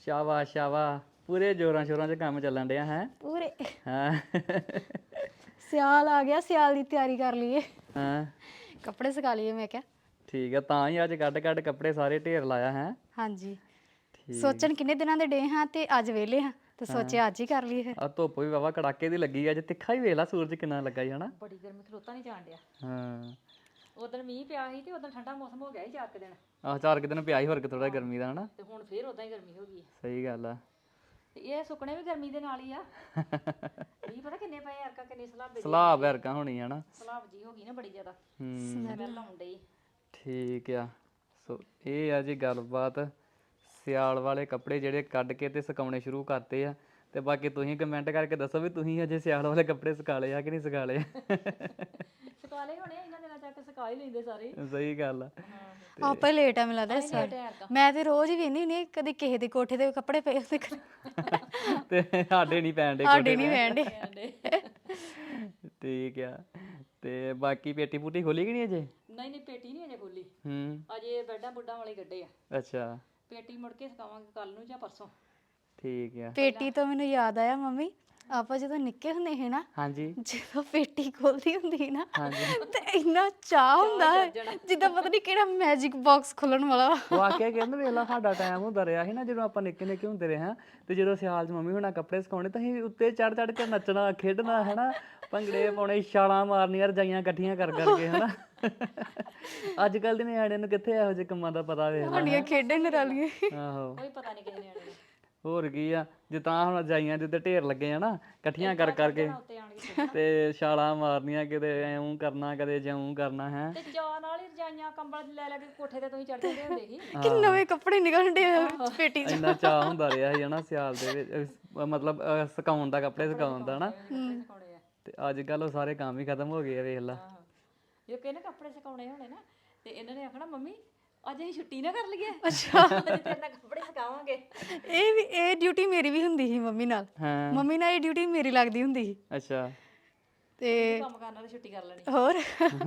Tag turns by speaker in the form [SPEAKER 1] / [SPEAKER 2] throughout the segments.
[SPEAKER 1] ਸ਼ਾਬਾਸ਼ ਸ਼ਾਬਾਸ਼, ਪੂਰੇ ਜੋਰਾਂ ਸ਼ੋਰਾਂ 'ਚ ਕੰਮ ਚੱਲਣ ਡਿਆ ਹੈ।
[SPEAKER 2] ਪੂਰੇ
[SPEAKER 1] ਹਾਂ
[SPEAKER 2] ਸਿਆਲ ਆ ਗਿਆ, ਸਿਆਲ ਦੀ ਤਿਆਰੀ ਕਰ ਲਈਏ,
[SPEAKER 1] ਹਾਂ
[SPEAKER 2] ਕੱਪੜੇ ਸੁਕਾ ਲਈਏ ਮੈਂ ਕਿਹਾ।
[SPEAKER 1] ਠੀਕ ਆ, ਤਾਂ ਹੀ ਅੱਜ ਕੱਢ ਕੱਢ ਕੱਪੜੇ ਸਾਰੇ ਢੇਰ ਲਾਇਆ ਹੈ।
[SPEAKER 2] ਹਾਂਜੀ,
[SPEAKER 1] ਠੀਕ
[SPEAKER 2] ਸੋਚਣ ਕਿੰਨੇ ਦਿਨਾਂ ਦੇ ਡੇ ਹਾਂ ਤੇ ਅੱਜ ਵਿਹਲੇ ਹਾਂ ਤੇ ਸੋਚਿਆ ਅੱਜ ਹੀ ਕਰ ਲਈਏ ਫਿਰ।
[SPEAKER 1] ਆ ਧੁੱਪ ਵੀ ਵਾਵਾ ਕੜਾਕੇ ਦੀ ਲੱਗੀ ਅੱਜ, ਤਿੱਖਾ ਹੀ ਵੇਖ ਲਾ ਸੂਰਜ ਕਿੰਨਾ ਲੱਗਾ ਹੀ ਹਨਾ।
[SPEAKER 3] ਬੜੀ ਗਰਮੀ ਖਲੋਤਾ ਨਹੀਂ ਜਾਣ ਡਿਆ।
[SPEAKER 1] ਹਾਂ
[SPEAKER 3] ਉਦੋਂ ਮੀਂਹ ਪਿਆ ਸੀ ਤੇ ਉਦੋਂ ਠੰਡਾ ਮੌਸਮ ਹੋ ਗਿਆ ਸੀ 4 ਦਿਨ,
[SPEAKER 1] ਆਹ 4 ਦਿਨ ਪਿਆ ਹੀ, ਫਰਕ ਥੋੜਾ ਗਰਮੀ ਦਾ ਹਨਾ।
[SPEAKER 3] ਤੇ ਹੁਣ ਫੇਰ ਉਦਾਂ ਹੀ ਗਰਮੀ ਹੋ ਗਈ ਹੈ।
[SPEAKER 1] ਸਹੀ ਗੱਲ ਆ।
[SPEAKER 3] ਤੇ ਇਹ ਸੁੱਕਣੇ ਵੀ ਗਰਮੀ ਦੇ ਨਾਲ ਹੀ ਆ। ਮੀਂਹ ਪਤਾ ਕਿੰਨੇ ਪਏ ਅਰਕਾ, ਕਿੰਨੀ ਸਲਾਬ
[SPEAKER 1] ਸਲਾਬ ਵਰਗਾ ਹੋਣੀ ਹਨਾ।
[SPEAKER 3] ਸਲਾਬ ਜੀ ਹੋ ਗਈ ਨਾ ਬੜੀ ਜ਼ਿਆਦਾ,
[SPEAKER 1] ਹੂੰ
[SPEAKER 3] ਸਮੈਲ ਆਉਣ ਡਈ।
[SPEAKER 1] ਠੀਕ ਆ। ਸੋ ਇਹ ਆ ਜੀ ਗੱਲਬਾਤ, ਸਿਆਲ ਵਾਲੇ ਕੱਪੜੇ ਜਿਹੜੇ ਕੱਢ ਕੇ ਤੇ ਸੁਕਾਉਣੇ ਸ਼ੁਰੂ ਕਰਤੇ ਆ। ਤੇ ਬਾਕੀ ਤੁਸੀਂ ਕਮੈਂਟ ਕਰਕੇ ਦੱਸੋ ਵੀ ਤੁਸੀਂ ਅਜੇ ਸਿਆਲ ਵਾਲੇ ਕੱਪੜੇ ਸੁਕਾ ਲਏ ਆ ਕਿ ਨਹੀਂ ਸੁਕਾ ਲਏ।
[SPEAKER 3] ਸੁਕਾ ਲਏ ਹੋਣੇ ਇਹਨਾਂ ਦਿਨਾਂ ਤੱਕ, ਸੁਕਾ ਹੀ ਲੈਂਦੇ ਸਾਰੇ।
[SPEAKER 1] ਸਹੀ ਗੱਲ ਆ।
[SPEAKER 2] ਆਪਾਂ ਹੀ ਲੇਟ ਆ ਮੈਨੂੰ ਲੱਗਦਾ ਇਸ ਵਾਰ।
[SPEAKER 3] ਅਰਕਾ
[SPEAKER 2] ਮੈਂ ਤੇ ਰੋਜ਼ ਹੀ ਵੇਖਦੀ ਹੁੰਦੀ ਹਾਂ, ਕਦੀ ਕਿਸੇ ਦੇ ਕੋਠੇ ਤੇ ਕੱਪੜੇ ਪਏ ਹੁੰਦੇ,
[SPEAKER 1] ਤੇ ਸਾਡੇ ਨਹੀਂ ਪੈਣ ਡੇ
[SPEAKER 2] ਸਾਡੇ ਨਹੀਂ ਵਹਿੰਦੇ।
[SPEAKER 1] ਠੀਕ ਆ। ਤੇ ਬਾਕੀ ਪੇਟੀ ਪੂਟੀ ਖੋਲੀ ਕਿ ਨਹੀਂ ਅਜੇ?
[SPEAKER 3] ਨਹੀਂ ਨਹੀਂ, ਪੇਟੀ ਨਹੀਂ ਅਜੇ ਖੋਲੀ,
[SPEAKER 1] ਹੂੰ
[SPEAKER 3] ਅਜੇ ਬੈਡਾਂ ਬੁੱਡਾਂ ਵਾਲੇ ਗੱਡੇ ਆ।
[SPEAKER 1] ਅੱਛਾ
[SPEAKER 3] ਪੇਟੀ ਮੁੜ ਕੇ ਸੁਕਾਵਾਂਗੇ ਕੱਲ ਨੂੰ ਜਾਂ ਪਰਸੋਂ।
[SPEAKER 1] ਠੀਕ ਆ।
[SPEAKER 2] ਪੇਟੀ ਤੋਂ ਮੈਨੂੰ ਯਾਦ ਆਇਆ ਮੰਮੀ, ਆਪਾਂ ਜਦੋਂ ਨਿੱਕੇ ਹੁੰਦੇ ਸੀ ਨਾ,
[SPEAKER 1] ਹਾਂਜੀ
[SPEAKER 2] ਜਦੋਂ ਪੇਟੀ ਖੋਲਦੀ ਹੁੰਦੀ ਸੀ ਨਾ ਤੇ ਇੰਨਾ ਚਾਹ ਹੁੰਦਾ ਹੈ ਜਿੱਦਾਂ ਪਤਾ ਨਹੀਂ ਕਿਹੜਾ ਮੈਜਿਕ ਬਾਕਸ ਖੁੱਲਣ ਵਾਲਾ ਵਾ।
[SPEAKER 1] ਵਾਕਿਆ ਕਹਿੰਦੇ ਵੇਖ ਲਾ, ਸਾਡਾ ਟਾਈਮ ਹੁੰਦਾ ਰਿਹਾ ਸੀ ਨਾ ਜਦੋਂ ਆਪਾਂ ਨਿੱਕੇ ਨਿੱਕੇ ਹੁੰਦੇ ਰਹੇ ਹਾਂ। ਤੇ ਜਦੋਂ ਸਿਆਲ 'ਚ ਮੰਮੀ ਹੁਣਾਂ ਕੱਪੜੇ ਸੁਕਾਉਣੇ ਤਾਂ ਅਸੀਂ ਉੱਤੇ ਚੜ ਚੜ ਕੇ ਨੱਚਣਾ ਖੇਡਣਾ ਹਨਾ, ਭੰਗੜੇ ਪਾਉਣੇ, ਛਾਲਾਂ ਮਾਰਨੀਆਂ, ਰਜਾਈਆਂ ਇਕੱਠੀਆਂ ਕਰ ਕਰਕੇ ਹਨਾ। ਅੱਜ ਕੱਲ ਦੇ ਨਿਆਣਿਆਂ ਨੂੰ ਕਿੱਥੇ ਇਹੋ ਜਿਹੇ ਕੰਮਾਂ ਦਾ ਪਤਾ ਵੇਖ ਲਾ।
[SPEAKER 2] ਸਾਡੀਆਂ ਖੇਡਾਂ ਨਰਾਲੀਆਂ।
[SPEAKER 1] ਆਹੋ
[SPEAKER 3] ਕੋਈ ਪਤਾ ਨਹੀਂ ਕਿਸੇ ਨਿਆਣੇ ਨੂੰ।
[SPEAKER 1] ਹੋਰ ਕੀ ਆ, ਜਿੱਦਾਂ ਹੁਣ ਰਜਾਈਆਂ ਦੇ ਉੱਤੇ ਢੇਰ ਲੱਗੇ ਆ ਨਾ ਇਕੱਠੀਆਂ ਕਰ ਕਰਕੇ,
[SPEAKER 3] ਉੱਤੇ ਆਣ ਕੇ
[SPEAKER 1] ਤੇ ਛਾਲਾਂ ਮਾਰਨੀਆਂ, ਕਿਤੇ ਐਉਂ ਕਰਨਾ ਕਦੇ ਜਿਉਂ ਕਰਨਾ ਹੈ।
[SPEAKER 3] ਤੇ ਚਾਹ ਨਾਲ ਹੀ ਰਜਾਈਆਂ ਕੰਬਲ ਲੈ ਲੈ ਕੇ ਕੋਠੇ ਤੇ ਤੁਸੀਂ ਚੜ ਜਾਂਦੇ ਹੁੰਦੇ ਸੀ।
[SPEAKER 2] ਕਿ ਨਵੇਂ ਕੱਪੜੇ ਨਿਕਲਣ ਡੇ ਪੇਟੀ 'ਚ।
[SPEAKER 1] ਇੰਨਾ ਚਾਅ ਹੁੰਦਾ ਰਿਹਾ ਸੀ ਹਨਾ ਸਿਆਲ ਦੇ ਵਿੱਚ, ਮਤਲਬ ਸੁਕਾਉਣ ਦਾ, ਕੱਪੜੇ ਸੁਕਾਉਣ ਦਾ ਹਨਾ।
[SPEAKER 3] ਕੱਪੜੇ ਸੁਕਾਉਣੇ ਆ।
[SPEAKER 1] ਤੇ ਅੱਜ ਕੱਲ ਉਹ ਸਾਰੇ ਕੰਮ ਹੀ ਖਤਮ ਹੋ ਗਏ ਆ ਵੇਖ ਲਾ।
[SPEAKER 3] ਆਹੋ, ਜੇ ਕਹਿੰਦੇ ਕੱਪੜੇ ਸੁਕਾਉਣੇ ਹੋਣੇ ਨਾ ਤੇ ਇਹਨਾਂ ਨੇ ਆਖਣਾ ਮੰਮੀ ਅੱਜ ਅਸੀਂ ਛੁੱਟੀ ਨਾ ਕਰ ਲਈਏ। ਅੱਛਾ, ਤੇਰੇ ਨਾਲ ਕੱਪੜੇ ਸੁਕਾਵਾਂਗੇ।
[SPEAKER 2] ਇਹ ਡਿਊਟੀ ਮੇਰੀ ਵੀ ਹੁੰਦੀ ਸੀ ਮੰਮੀ ਨਾਲ।
[SPEAKER 1] ਹਾਂ
[SPEAKER 2] ਮੰਮੀ ਨਾਲ ਇਹ ਡਿਊਟੀ ਮੇਰੀ ਲੱਗਦੀ ਹੁੰਦੀ ਸੀ।
[SPEAKER 1] ਅੱਛਾ
[SPEAKER 2] ਤੇ
[SPEAKER 3] ਕੰਮ ਕਰਨ ਨਾਲ ਛੁੱਟੀ ਕਰ ਲੈਣੀ।
[SPEAKER 2] ਹੋਰ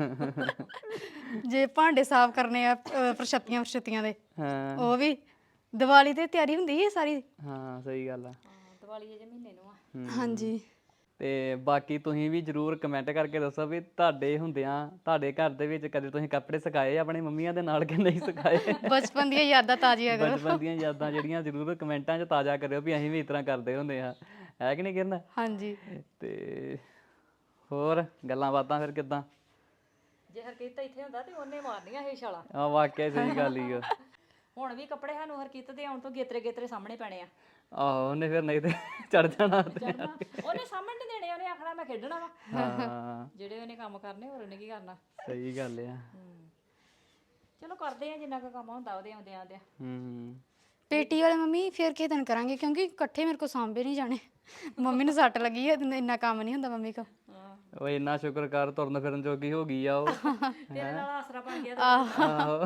[SPEAKER 2] ਜੇ ਭਾਂਡੇ ਸਾਫ਼ ਕਰਨੇ ਆ, ਪ੍ਰਸ਼ਤੀਆਂ ਦੇ,
[SPEAKER 1] ਹਾਂ
[SPEAKER 2] ਉਹ ਵੀ ਦੀਵਾਲੀ ਤੇ ਤਿਆਰੀ ਹੁੰਦੀ ਹੈ ਸਾਰੀ।
[SPEAKER 1] ਹਾਂ ਸਹੀ ਗੱਲ ਆ।
[SPEAKER 3] ਹਾਂ, ਦੀਵਾਲੀ ਅਜੇ ਮਹੀਨੇ ਨੂੰ ਆ।
[SPEAKER 2] ਹਾਂਜੀ,
[SPEAKER 1] ਤੇ ਬਾਕੀ ਤੁਸੀਂ ਵੀ ਜਰੂਰ ਕਮੈਂਟ ਕਰਕੇ ਦੱਸੋ ਵੀ ਤੁਹਾਡੇ ਹੁੰਦਿਆਂ ਤੁਹਾਡੇ ਘਰ ਦੇ ਵਿੱਚ ਕਦੇ ਤੁਸੀਂ ਕੱਪੜੇ ਸੁਕਾਏ ਆਪਣੀ ਮੰਮੀਆਂ ਦੇ ਨਾਲ ਕਿ ਨਹੀਂ ਸੁਕਾਏ।
[SPEAKER 2] ਬਚਪਨ ਦੀਆਂ ਯਾਦਾਂ ਤਾਜ਼ੀਆਂ ਕਰੋ।
[SPEAKER 1] ਬਚਪਨ ਦੀਆਂ ਯਾਦਾਂ ਜਿਹੜੀਆਂ ਜਰੂਰ ਕਮੈਂਟਾਂ 'ਚ ਤਾਜ਼ਾ ਕਰਿਓ ਵੀ ਅਸੀਂ ਵੀ ਇਸ ਤਰ੍ਹਾਂ ਕਰਦੇ ਹੁੰਦੇ ਆ, ਹੈ ਕਿ ਨਹੀਂ ਕਿਰਨ?
[SPEAKER 2] ਹਾਂਜੀ,
[SPEAKER 1] ਤੇ ਹੋਰ ਗੱਲਾਂ ਬਾਤਾਂ ਫਿਰ ਕਿੱਦਾਂ?
[SPEAKER 3] ਜੇ ਹਰਕੀਤ ਇੱਥੇ ਹੁੰਦਾ ਤੇ ਉਹਨੇ ਮਾਰਨੀਆਂ ਇਹ ਛਾਲਾਂ।
[SPEAKER 1] ਆ ਵਾਕਿਆ ਸਹੀ ਗੱਲ ਹੀ ਆ।
[SPEAKER 3] ਹੁਣ ਵੀ ਕੱਪੜੇ ਸਾਨੂੰ ਹਰਕੀਤ ਦੇ ਆਉਣ ਤੋਂ ਗੇਤਰੇ ਗੇਤਰੇ ਸਾਹਮਣੇ ਪੈਣੇ ਆ।
[SPEAKER 1] ਆਹੋ ਉਹਨੇ ਫਿਰ ਨਹੀਂ ਤੇ ਚੜ ਜਾਣਾ ਉੱਤੇ।
[SPEAKER 3] ਚੜਨਾ ਉਹਨੇ ਸਾਹਮਣੇ ਨੀ ਦੇਣੇ, ਉਹਨੇ ਆਖਣਾ ਮੈਂ ਖੇਡਣਾ ਵਾ।
[SPEAKER 1] ਹਾਂ
[SPEAKER 3] ਜਿਹੜੇ ਉਹਨੇ ਕੰਮ ਕਰਨੇ ਹੋਰ ਉਹਨੇ ਕੀ ਕਰਨਾ।
[SPEAKER 1] ਸਹੀ ਗੱਲ ਆ।
[SPEAKER 3] ਚਲੋ ਕਰਦੇ ਆ ਜਿੰਨਾ ਕੁ ਕੰਮ ਹੁੰਦਾ ਉਹਦੇ ਆਉਂਦੇ ਆਉਂਦੇ।
[SPEAKER 2] ਪੇਟੀ ਵਾਲੇ ਮੰਮੀ ਫਿਰ ਕਿਸੇ ਦਿਨ ਕਰਾਂਗੇ ਕਿਉਂਕਿ ਇਕੱਠੇ ਮੇਰੇ ਕੋਲ ਸਾਂਭੇ ਨਹੀਂ ਜਾਣੇ। ਮੰਮੀ ਨੂੰ ਸੱਟ ਲੱਗੀ ਹੈ, ਇੰਨਾ ਕੰਮ ਨਹੀਂ ਹੁੰਦਾ ਮੰਮੀ ਕੋਲ।
[SPEAKER 1] ਉਹ ਇੰਨਾ ਸ਼ੁਕਰ ਕਰ ਤੁਰਨ ਫਿਰਨ ਜੋਗੀ ਹੋ ਗਈ ਆ ਉਹ।
[SPEAKER 3] ਤੇਰੇ ਨਾਲ ਆਸਰਾ ਬਣ ਗਿਆ।
[SPEAKER 1] ਆਹੋ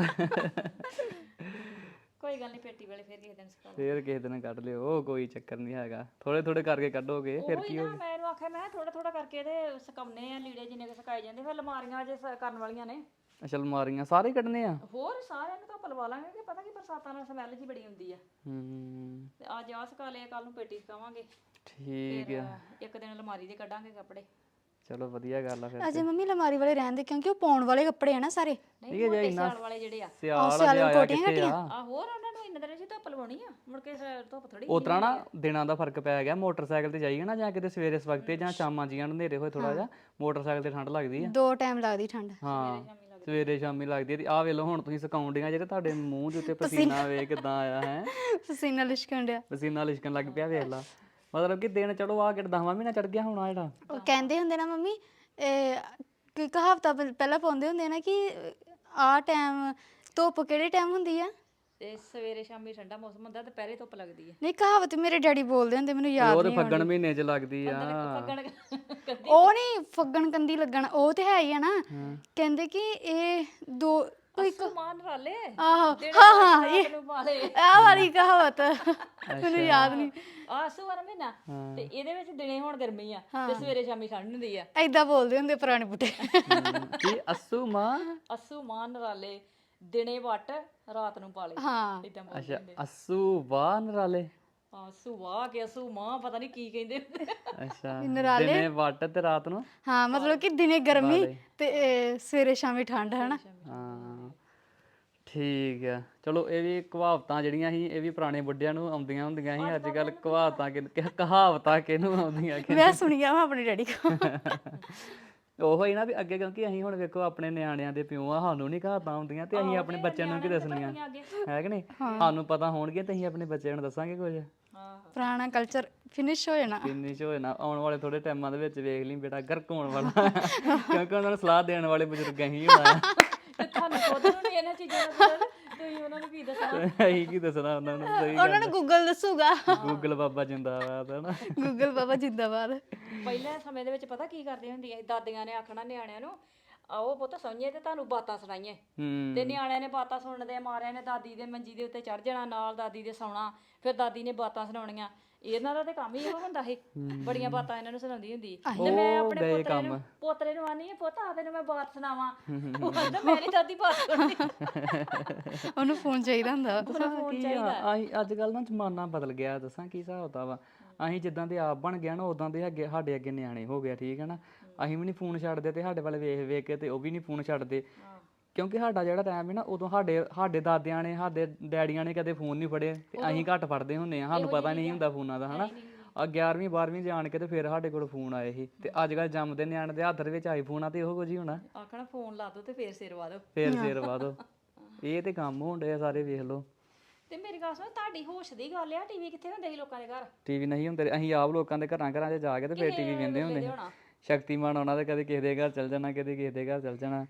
[SPEAKER 3] ਕੋਈ ਗੱਲ ਨਹੀਂ, ਪੇਟੀ ਵਾਲੇ ਫਿਰ ਕਿਸੇ ਦਿਨ ਸਿਖਾ
[SPEAKER 1] ਫੇਰ ਕਿਸੇ ਦਿਨ ਕੱਢ ਲਿਓ, ਉਹ ਕੋਈ ਚੱਕਰ ਨਹੀਂ ਹੈਗਾ। ਥੋੜੇ ਥੋੜੇ ਕਰਕੇ ਕੱਢੋਗੇ ਫਿਰ ਕੀ
[SPEAKER 3] ਨਾ ਮੈਂ ਇਹਨੂੰ ਆਖਿਆ ਮੈਂ ਥੋੜਾ ਥੋੜਾ ਕਰਕੇ ਤੇ ਸੁਕਾਉਣੇ ਆ ਲੀੜੇ ਜਿੰਨੇ ਕੁ ਸੁਕਾਏ ਜਾਂਦੇ। ਫਿਰ ਅਲਮਾਰੀਆਂ ਜੇ ਕਰਨ ਵਾਲੀਆਂ ਨੇ।
[SPEAKER 1] ਅੱਛਾ ਅਲਮਾਰੀਆਂ ਸਾਰੇ ਹੀ ਕੱਢਣੇ ਆ?
[SPEAKER 3] ਹੋਰ ਸਾਰਿਆਂ ਨੂੰ ਧੁੱਪ ਲਵਾ ਲਾਂਗੇ ਕਿ ਪਤਾ ਕੀ ਬਰਸਾਤਾਂ ਨਾਲ ਸਮੈਲ ਜੀ ਬੜੀ ਹੁੰਦੀ ਆ। ਤੇ ਅੱਜ ਆਹ ਸੁਕਾ ਲਏ, ਕੱਲ ਨੂੰ ਪੇਟੀ ਸੁਕਾਵਾਂਗੇ।
[SPEAKER 1] ਠੀਕ ਆ।
[SPEAKER 3] ਇੱਕ ਦਿਨ ਅਲਮਾਰੀ ਦੇ ਕੱਢਾਂਗੇ ਕੱਪੜੇ।
[SPEAKER 1] ਚਲੋ ਵਧੀਆ ਗੱਲ ਆ ਫਿਰ।
[SPEAKER 2] ਅਜੇ ਮੰਮੀ ਅਲਮਾਰੀ ਵਾਲੇ ਰਹਿੰਦੇ ਕਿਉਂਕਿ ਉਹ ਪਾਉਣ ਵਾਲੇ ਕੱਪੜੇ ਆ ਨਾ ਸਾਰੇ।
[SPEAKER 3] ਨਹੀਂ ਮੋਟੇ ਸਿਆਲ ਵਾਲੇ ਜਿਹੜੇ ਆ।
[SPEAKER 1] ਸਿਆਲ ਆਇਆ ਕਿੱਥੇ ਆ?
[SPEAKER 3] ਆ ਹੋਰ ਉਹਨਾਂ ਨੂੰ ਇੰਨੇ ਦਿਨ ਚ ਧੁੱਪ ਲਵਾਉਣੀ ਆ, ਮੁੜ ਕੇ ਧੁੱਪ ਥੋੜੀ।
[SPEAKER 1] ਉਸ ਤਰ੍ਹਾਂ ਨਾ ਦਿਨਾਂ ਦਾ ਫਰਕ ਪੈ ਗਿਆ। ਮੋਟਰਸਾਈਕਲ ਤੇ ਜਾਈਏ ਨਾ, ਜਾਂ ਕਿਤੇ ਸਵੇਰੇ ਸਵਖਤੇ ਜਾਂ ਸ਼ਾਮਾਂ ਜੀਆਂ ਨੂੰ ਹਨੇਰੇ ਹੋਏ ਥੋੜਾ ਜਿਹਾ, ਮੋਟਰਸਾਈਕਲ ਤੇ ਠੰਡ ਲੱਗਦੀ ਆ।
[SPEAKER 2] 2 ਟਾਈਮ ਲੱਗਦੀ ਠੰਡ।
[SPEAKER 1] ਹਾਂ ਸਵੇਰੇ ਸ਼ਾਮੀ ਲੱਗਦੀ ਆ। ਤੇ ਆਹ ਵੇਲੋ ਹੁਣ ਤੁਸੀਂ ਸੁਕਾਉਣ ਡੀਆਂ ਜਿਹੜੇ ਤੁਹਾਡੇ ਮੂੰਹ ਦੇ ਉੱਤੇ ਪਸੀਨਾ ਵੇ ਕਿਦਾਂ ਆਇਆ ਹੈ।
[SPEAKER 2] ਪਸੀਨਾ ਲਿਸ਼ਕਣ ਡਿਆ।
[SPEAKER 1] ਪਸੀਨਾ ਲਿਸ਼ਕਣ ਲੱਗ ਪਿਆ ਵੇਖ ਲਾ। ਮਤਲਬ ਕਿ ਦਿਨ ਚਲੋ ਆ ਕਿ 10ਵਾਂ ਮਹੀਨਾ ਚੜ ਗਿਆ ਹੁਣ ਆ ਜਿਹੜਾ।
[SPEAKER 2] ਉਹ ਕਹਿੰਦੇ ਹੁੰਦੇ ਨਾ ਮੰਮੀ, ਕੋਈ ਕਹਾਵਤਾਂ ਪਹਿਲਾਂ ਪਾਉਂਦੇ ਹੁੰਦੇ ਨਾ ਕਿ ਆਹ ਟਾਈਮ ਧੁੱਪ ਕਿਹੜੇ ਟਾਈਮ ਹੁੰਦੀ ਆ?
[SPEAKER 3] ਤੇ ਸਵੇਰੇ ਸ਼ਾਮੀ ਠੰਡਾ ਮੌਸਮ ਹੁੰਦਾ, ਦੁਪਹਿਰੇ ਧੁੱਪ ਲੱਗਦੀ ਹੈ।
[SPEAKER 2] ਨਹੀਂ, ਕਹਾਵਤ ਮੇਰੇ ਡੈਡੀ ਬੋਲਦੇ ਹੁੰਦੇ, ਮੈਨੂੰ ਯਾਦ
[SPEAKER 1] ਉਹ ਤੇ
[SPEAKER 2] ਨਹੀਂ।
[SPEAKER 1] ਫੱਗਣ ਮਹੀਨੇ 'ਚ ਲੱਗਦੀ ਆ।
[SPEAKER 3] ਫੱਗਣ
[SPEAKER 2] ਉਹ ਨਹੀਂ, ਫੱਗਣ ਕੰਦੀ ਲੱਗਣ ਉਹ ਤੇ ਹੈ ਹੀ ਆ ਨਾ। ਕਹਿੰਦੇ ਕਿ ਇਹ ਦੋ ਕੋਈ
[SPEAKER 3] ਮਾਨ ਰਾਲੇ
[SPEAKER 2] ਆਹੋ ਹਾਂ ਇਹ
[SPEAKER 3] ਨੂੰ ਪਾਲੇ
[SPEAKER 2] ਆਹ ਵਾਲੀ ਕਹਾਵਤ ਮੈਨੂੰ ਯਾਦ ਨਹੀਂ।
[SPEAKER 3] ਆਸੂ ਵਾਲਾ ਮਹੀਨਾ ਤੇ ਇਹਦੇ ਵਿੱਚ ਦਿਨੇ ਹੁਣ ਗਰਮੀ ਆ ਤੇ ਸਵੇਰੇ ਸ਼ਾਮੀ ਠੰਡ ਹੁੰਦੀ ਆ।
[SPEAKER 2] ਏਦਾਂ ਬੋਲਦੇ ਹੁੰਦੇ ਪੁਰਾਣੇ ਬੁੱਢੇ।
[SPEAKER 1] ਕੀ ਅਸੂ ਮਾਂ?
[SPEAKER 3] ਅਸੂ ਮਾਨ ਰਾਲੇ ਦਿਨੇ ਵੱਟ ਰਾਤ ਨੂੰ ਪਾਲੇ।
[SPEAKER 2] ਹਾਂ
[SPEAKER 3] ਇਦਾਂ
[SPEAKER 1] ਅੱਛਾ ਅਸੂ ਵਾਹ ਨਰਾਲੇ।
[SPEAKER 3] ਸੁਆ ਕੇ ਸੁਮਾ ਪਤਾ ਨਹੀਂ ਕੀ ਕਹਿੰਦੇ ਹੁੰਦੇ ਆ।
[SPEAKER 1] ਅੱਛਾ ਦਿਨੇ ਵੱਟ ਤੇ ਰਾਤ ਨੂੰ
[SPEAKER 2] ਹਾਂ ਮਤਲਬ ਕਿ ਦਿਨੇ ਗਰਮੀ ਤੇ ਸਵੇਰੇ ਸ਼ਾਮੀ ਠੰਡ ਹਨਾ।
[SPEAKER 1] ਹਾਂ ਠੀਕ ਆ ਚਲੋ ਇਹ ਵੀ ਕਹਾਵਤਾਂ ਜਿਹੜੀਆਂ ਸੀ ਇਹ ਵੀ ਪੁਰਾਣੇ ਬੁੱਢਿਆਂ ਨੂੰ ਆਉਂਦੀਆਂ ਹੁੰਦੀਆਂ ਸੀ ਅੱਜ ਕੱਲ ਕਹਾਵਤਾਂ ਕਿਹਨੂੰ ਆਉਂਦੀਆਂ
[SPEAKER 2] ਮੈਂ ਸੁਣੀਆਂ ਵਾ ਆਪਣੇ ਡੈਡੀ ਕੋਲ।
[SPEAKER 1] ਉਹੋ ਹੀ ਨਾ ਵੀ ਅੱਗੇ ਕਿਉਂਕਿ ਅਸੀਂ ਹੁਣ ਵੇਖੋ ਆਪਣੇ ਨਿਆਣਿਆਂ ਦੇ ਪਿਓ ਆ ਸਾਨੂੰ ਨਹੀਂ ਕਹਾਵਤਾਂ ਹੁੰਦੀਆਂ ਤੇ ਅਸੀਂ ਆਪਣੇ ਬੱਚਿਆਂ ਨੂੰ ਕੀ ਦੱਸਣੀਆਂ ਹੈ ਕਿ ਨਹੀਂ ਸਾਨੂੰ ਪਤਾ ਹੋਣਗੇ ਤੇ ਅਸੀਂ ਆਪਣੇ ਬੱਚਿਆਂ ਨੂੰ ਦੱਸਾਂਗੇ ਕੁਝ
[SPEAKER 2] ਪੁਰਾਣਾ ਕਲਚਰ ਫਿਨਿਸ਼ ਹੋ ਜਾਣਾ।
[SPEAKER 1] ਫਿਨਿਸ਼ ਹੋ ਜਾਣਾ ਆਉਣ ਵਾਲੇ ਥੋੜੇ ਟਾਈਮਾਂ ਦੇ ਵਿੱਚ ਵੇਖ ਲਈ ਬੇਟਾ ਗਰਕ ਹੋਣ ਵਾਲਾ ਕਿਉਂਕਿ ਉਹਨਾਂ ਨੂੰ ਸਲਾਹ ਦੇਣ ਵਾਲੇ ਬਜ਼ੁਰਗ ਹੀ ਹੋਣਾ
[SPEAKER 3] ਤੇ ਤੁਹਾਨੂੰ ਖੁਦ ਨੂੰ ਨੀ ਇਹਨਾਂ ਚੀਜ਼ਾਂ ਦਾ ਪਤਾ ਤੁਸੀਂ ਉਹਨਾਂ ਨੂੰ ਕੀ ਦੱਸਣਾ।
[SPEAKER 1] ਅਸੀਂ ਕੀ ਦੱਸਣਾ ਉਹਨਾਂ ਨੂੰ ਸਹੀ
[SPEAKER 2] ਉਹਨਾਂ ਨੂੰ ਗੂਗਲ ਦੱਸੂਗਾ।
[SPEAKER 1] ਗੂਗਲ ਬਾਬਾ ਜਿੰਦਾਬਾਦ ਹੈ ਨਾ
[SPEAKER 2] ਗੂਗਲ ਬਾਬਾ ਜਿੰਦਾਬਾਦ।
[SPEAKER 3] ਪਹਿਲੇ ਸਮੇਂ ਦੇ ਵਿੱਚ ਪਤਾ ਕੀ ਕਰਦੀਆਂ ਹੁੰਦੀਆਂ ਸੀ ਦਾਦੀਆਂ ਨੇ ਆਖਣਾ ਨਿਆਣਿਆਂ ਨੂੰ ਆਓ ਪੁੱਤ ਸੌਂਈਏ ਤੇ ਤੁਹਾਨੂੰ ਬਾਤਾਂ ਸੁਣਾਈਏ ਤੇ ਨਿਆਣਿਆਂ ਨੇ ਬਾਤਾਂ ਸੁਣਦੇ ਮਾਰਿਆਂ ਨੇ ਦਾਦੀ ਦੇ ਮੰਜੀ ਦੇ ਉੱਤੇ ਚੜ ਜਾਣਾ ਨਾਲ ਦਾਦੀ ਦੇ ਸੌਣਾ ਫਿਰ ਦਾਦੀ ਨੇ ਬਾਤਾਂ ਸੁਣਾਉਣੀਆਂ ਇਹਨਾਂ ਦਾ ਤੇ ਕੰਮ ਹੀ ਇਹੋ ਹੁੰਦਾ ਸੀ ਬੜੀਆਂ ਬਾਤਾਂ ਇਹਨਾਂ ਨੂੰ ਸੁਣਾਉਂਦੀ ਹੁੰਦੀ ਤੇ ਮੈਂ ਆਪਣੇ ਪੋਤਰੇ ਨੂੰ ਆਨੀ ਆ ਪੁੱਤ ਆ ਤੈਨੂੰ ਮੈਂ ਬਾਤ ਸੁਣਾਵਾਂ ਉਹ ਕਹਿੰਦਾ ਮੇਰੀ ਦਾਦੀ ਬਾਤ ਸੁਣਦੀ
[SPEAKER 2] ਉਹਨੂੰ ਫੋਨ ਚਾਹੀਦਾ ਹੁੰਦਾ
[SPEAKER 1] ਅਸੀਂ ਅੱਜ ਕੱਲ ਨਾ ਜ਼ਮਾਨਾ ਬਦਲ ਗਿਆ ਦੱਸਾਂ ਕੀ ਹਿਸਾਬ ਹੁੰਦਾ ਵਾ ਅਸੀਂ ਜਿੱਦਾਂ ਦੇ ਆਪ ਬਣ ਗਿਆ ਨਾ ਉਦਾਂ ਦੇ ਅੱਗੇ ਸਾਡੇ ਅੱਗੇ ਨਿਆਣੇ ਹੋ ਗਿਆ ਠੀਕ ਹੈ ਨਾ ਅਸੀਂ ਵੀ ਨਹੀਂ ਫੋਨ ਛੱਡਦੇ ਤੇ ਸਾਡੇ ਵੱਲ ਵੇਖ ਵੇਖ ਕੇ ਤੇ ਉਹ ਵੀ ਨਹੀਂ ਫੋਨ ਛੱਡਦੇ ਕਿਉਂਕਿ ਸਾਡਾ ਜਿਹੜਾ ਟਾਈਮ ਹੈ ਨਾ ਉਦੋਂ ਸਾਡੇ ਦਾਦਿਆਂ ਨੇ ਸਾਡੇ ਡੈਡੀਆਂ ਨੇ ਕਦੇ ਫੋਨ ਨਹੀਂ ਫੜੇ ਤੇ ਅਸੀਂ ਘੱਟ ਫੜਦੇ ਹੁੰਦੇ ਆ ਸਾਨੂੰ ਪਤਾ ਨਹੀਂ ਹੁੰਦਾ ਫੋਨਾਂ ਦਾ ਹਨਾ 11ਵੀਂ 12ਵੀਂ ਜਾਣ ਕੇ ਤੇ ਫਿਰ ਸਾਡੇ ਕੋਲ ਫੋਨ ਆਏ ਸੀ ਤੇ ਅੱਜ ਕੱਲ ਜੰਮਦੇ ਨਿਆਣੇ ਦੇ ਹੱਥ ਦੇ ਵਿੱਚ ਆਈਫੋਨ ਆ ਤੇ ਉਹੋ ਕੁਝ ਹੀ ਹੋਣਾ
[SPEAKER 3] ਆਖਣਾ ਫੋਨ ਲਾ ਦੋ ਤੇ ਫੇਰ ਸਿਰ ਵਾ ਦੋ
[SPEAKER 1] ਸਿਰ ਵਾ ਦੋ ਇਹ ਤੇ ਕੰਮ ਹੋਣ ਡਿਆ ਸਾਰੇ ਵੇਖ ਲਓ
[SPEAKER 3] ਤੇ ਮੇਰੀ ਗੱਲ ਸੁਣ ਤੁਹਾਡੀ ਹੋਸ਼ ਦੀ ਗੱਲ ਆ ਟੀਵੀ ਕਿੱਥੇ ਹੁੰਦੇ ਸੀ ਲੋਕਾਂ ਦੇ ਘਰ
[SPEAKER 1] ਟੀਵੀ ਨਹੀਂ ਹੁੰਦੇ ਅਸੀਂ ਆਪ ਲੋਕਾਂ ਦੇ ਘਰਾਂ 'ਚ ਜਾ ਕੇ ਤੇ ਫਿਰ ਟੀਵੀ ਵੇਖਦੇ ਹੁੰਦੇ ਸੀ ਸ਼ਕਤੀਮਾਨ ਆਉਣਾ ਤੇ ਕਦੇ ਕਿਸੇ ਦੇ ਘਰ ਚਲ ਜਾਣਾ ਕਦੇ ਕਿਸੇ ਦੇ ਘਰ ਚਲ ਜਾਣਾ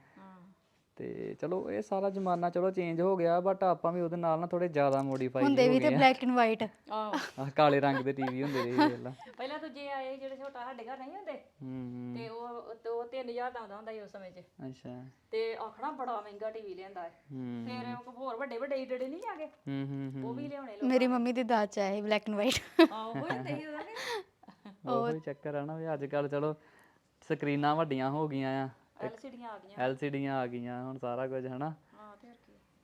[SPEAKER 1] ਤੇ ਚਲੋ ਇਹ ਸਾਰਾ ਜ਼ਮਾਨਾ ਚਲੋ ਚੇਂਜ ਹੋ ਗਿਆ ਬਟ ਆਪਾਂ ਵੀ ਉਹਦੇ ਨਾਲ ਨਾ ਥੋੜੇ ਜ਼ਿਆਦਾ ਮੋਡੀਫਾਈ
[SPEAKER 2] ਹੁੰਦੇ ਵੀ ਤੇ ਬਲੈਕ ਐਂਡ ਵਾਈਟ
[SPEAKER 3] ਆਹ
[SPEAKER 1] ਕਾਲੇ ਰੰਗ ਦੇ ਟੀਵੀ ਹੁੰਦੇ ਰਹੇ ਵੇਲਾ
[SPEAKER 3] ਪਹਿਲਾਂ ਦੂਜੇ ਆਏ ਜਿਹੜੇ ਛੋਟਾ ਸਾਡੇ ਘਰ ਨਹੀਂ ਹੁੰਦੇ ਤੇ ਉਹ 3000 ਦਾ ਆਉਂਦਾ ਹੁੰਦਾ ਸੀ ਉਸ ਸਮੇਂ 'ਚ
[SPEAKER 1] ਅੱਛਾ
[SPEAKER 3] ਤੇ ਆਖਣਾ ਬੜਾ ਮਹਿੰਗਾ ਟੀਵੀ ਲਿਆਂਦਾ ਹੈ ਫਿਰ ਹੋਰ ਵੱਡੇ ਵੱਡੇ ਈਟੜੇ ਨਹੀਂ ਆ ਗਏ ਉਹ ਵੀ ਲਿਆਉਣੇ ਲੋਕ
[SPEAKER 2] ਮੇਰੀ ਮੰਮੀ ਦੀ ਦਾਜ ਚ ਆਏ ਬਲੈਕ ਐਂਡ ਵਾਈਟ
[SPEAKER 3] ਆਹੋ ਹੁੰਦੇ ਸੀ ਉਹਦਾ
[SPEAKER 1] ਉਹ ਚੱਕਰ ਆ ਨਾ ਵੀ ਅੱਜ ਕੱਲ ਚਲੋ ਸਕਰੀਨਾਂ ਵੱਡੀਆਂ ਹੋ ਗਈਆਂ ਆ
[SPEAKER 3] ਐਲਸੀਡੀਆਂ ਆ ਗਈਆਂ
[SPEAKER 1] ਐਲਸੀਡੀਆਂ ਆ ਗਈਆਂ ਹੁਣ ਸਾਰਾ ਕੁਝ ਹਨਾ
[SPEAKER 3] ਹਾਂ ਤੇ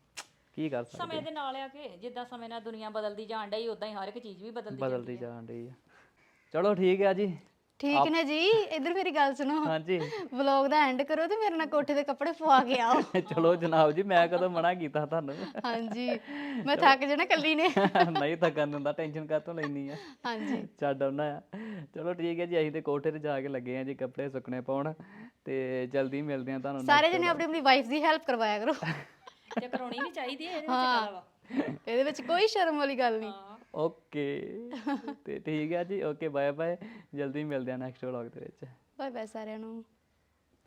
[SPEAKER 1] ਕੀ ਕਰ ਸਕਦੇ
[SPEAKER 3] ਸਮੇਂ ਦੇ ਨਾਲ ਆ ਕੇ ਜਿੱਦਾਂ ਸਮੇਂ ਨਾਲ ਦੁਨੀਆ ਬਦਲਦੀ ਜਾਣ ਡਈ ਉਦਾਂ ਹੀ ਹਰ ਇੱਕ ਚੀਜ਼ ਵੀ
[SPEAKER 1] ਬਦਲਦੀ ਜਾਣ ਡਈ ਆ ਚਲੋ ਠੀਕ ਆ ਜੀ
[SPEAKER 2] ਠੀਕ ਨੇ ਜੀ ਇੱਧਰ ਮੇਰੀ ਗੱਲ ਸੁਣੋ
[SPEAKER 1] ਹਾਂਜੀ
[SPEAKER 2] ਵਲੌਗ ਦਾ ਐਂਡ ਕਰੋ ਤੇ ਮੇਰੇ ਨਾਲ ਕੋਠੇ ਦੇ ਕੱਪੜੇ ਪਵਾ ਕੇ ਆਓ
[SPEAKER 1] ਚਲੋ ਜਨਾਬ ਜੀ ਮੈਂ ਕਦੋਂ ਮਨਾ ਕੀਤਾ ਤੁਹਾਨੂੰ
[SPEAKER 2] ਹਾਂਜੀ ਮੈਂ ਥੱਕ ਜਾਣਾ ਕੱਲੀ ਨੇ
[SPEAKER 1] ਨਹੀਂ ਥੱਕਣ ਦਿੰਦਾ ਟੈਨਸ਼ਨ ਕਾਹਤੋਂ ਲੈਣੀ ਆ
[SPEAKER 2] ਹਾਂਜੀ
[SPEAKER 1] ਛੱਡ ਆਉਣਾ ਆ ਚਲੋ ਠੀਕ ਹੈ ਜੀ ਅਸੀਂ ਤੇ ਕੋਠੇ ਤੇ ਜਾ ਕੇ ਲੱਗੇ ਆ ਜੀ ਕੱਪੜੇ ਸੁੱਕਣੇ ਪਾਉਣ ਤੇ ਜਲਦੀ ਮਿਲਦੇ ਆ ਤੁਹਾਨੂੰ
[SPEAKER 2] ਸਾਰੇ ਜਣੇ ਆਪਣੀ ਆਪਣੀ ਵਾਈਫ ਦੀ ਹੈਲਪ ਕਰਵਾਇਆ ਕਰੋ
[SPEAKER 3] ਤੇ ਕਰਾਉਣੀ ਵੀ ਚਾਹੀਦੀ ਹੈ ਇਹਦੇ ਵਿੱਚ ਕਾਲਾ ਵਾ
[SPEAKER 2] ਇਹਦੇ ਵਿੱਚ ਕੋਈ ਸ਼ਰਮ ਵਾਲੀ ਗੱਲ ਨਹੀਂ
[SPEAKER 1] ਓਕੇ ਤੇ ਠੀਕ ਹੈ ਜੀ ਓਕੇ ਬਾਏ ਬਾਏ ਜਲਦੀ ਮਿਲਦੇ ਆ ਨੈਕਸਟ ਵਲੌਗ ਦੇ ਵਿੱਚ
[SPEAKER 2] ਬਾਏ ਬਾਏ ਸਾਰਿਆਂ ਨੂੰ